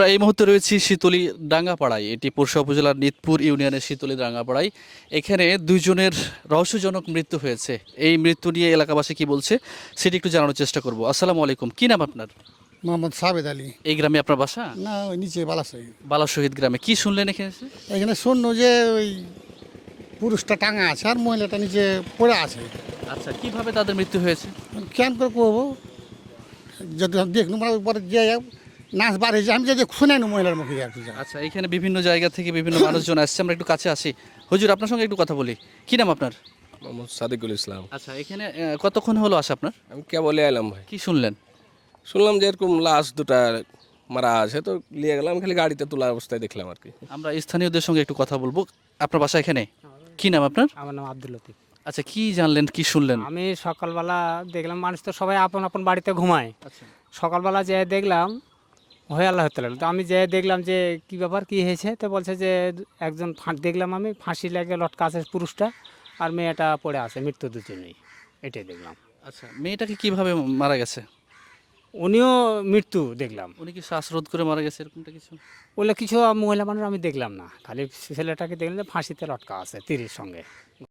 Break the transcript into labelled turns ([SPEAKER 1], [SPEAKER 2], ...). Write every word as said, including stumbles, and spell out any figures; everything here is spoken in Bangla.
[SPEAKER 1] এই মুহূর্তে রয়েছি শীতলী ডাঙ্গাপাড়ায়, এটি পোরশা উপজেলার নিতপুর ইউনিয়নের শীতলী ডাঙ্গাপাড়ায়। এখানে দুইজনের রহস্যজনক মৃত্যু হয়েছে। এই মৃত্যু নিয়ে এলাকাবাসী কি বলছে সেটি একটু জানানোর চেষ্টা করব। আসসালামু আলাইকুম, কি নাম আপনার?
[SPEAKER 2] মোহাম্মদ সাবেদ আলী।
[SPEAKER 1] এই গ্রামে আপনার বাসা?
[SPEAKER 2] না, ওই নিচে বালাসাই।
[SPEAKER 1] বালা শহীদ গ্রামে। কি শুনলেন এখানে এসে?
[SPEAKER 2] এখানে শূন্য যে ওই পুরুষটা টাঙা আছে আর মহিলাটা নিচে পড়ে আছে।
[SPEAKER 1] আচ্ছা, কিভাবে তাদের মৃত্যু হয়েছে?
[SPEAKER 2] কেন করে করবো, যদি দেখুন মানে পরে যে নাচ বার হয়েছে, আমি যদি শুনাই না মহিলার মুখে একটু যা।
[SPEAKER 1] আচ্ছা, এখানে বিভিন্ন জায়গা থেকে বিভিন্ন মানুষজন আসছে, আমরা একটু কাছে আসি। হুজুর, আপনার সঙ্গে একটু কথা বলি। কি নাম আপনার?
[SPEAKER 3] মোহাম্মদ সাদিকুল ইসলাম।
[SPEAKER 1] আচ্ছা, এখানে আহ, কতক্ষণ হলো আসা আপনার?
[SPEAKER 3] আমি কেবলই এলাম ভাই,
[SPEAKER 1] কি শুনলেন?
[SPEAKER 3] শুনলাম যে এরকম লাশ দুটা মারা আছে, তো নিয়ে গেলাম, খালি গাড়িতে তোলা অবস্থায় দেখলাম আর কি।
[SPEAKER 1] আমরা স্থানীয়দের সঙ্গে একটু কথা বলবো। আপনার বাসা এখানে? কি নাম আপনার?
[SPEAKER 4] আমার নাম আব্দুল লতিফ।
[SPEAKER 1] আচ্ছা, কি জানলেন, কি শুনলেন?
[SPEAKER 4] আমি সকালবেলা দেখলাম মানুষ তো সবাই আপন আপন বাড়িতে ঘুমায়।
[SPEAKER 1] আচ্ছা,
[SPEAKER 4] সকালবেলা যেয়ে দেখলাম হয়ে আল্লাহ হতে লাগলো, তো আমি যেয়ে দেখলাম যে কি ব্যাপার কি হয়েছে, তো বলছে যে একজন ফা- দেখলাম আমি ফাঁসি লেগে লটকা আছে পুরুষটা, আর মেয়েটা পড়ে আছে, মৃত্যু দুজনেই, এটাই দেখলাম।
[SPEAKER 1] আচ্ছা, মেয়েটাকে কিভাবে মারা গেছে?
[SPEAKER 4] উনিও মৃত্যু দেখলাম।
[SPEAKER 1] উনি কি শ্বাসরোধ করে মারা গেছে এরকমটা কিছু?
[SPEAKER 4] বলে কিছু মহিলা মানুষ আমি দেখলাম না, খালি ছেলেটাকে দেখলাম যে ফাঁসিতে লটকা আছে তীরের সঙ্গে।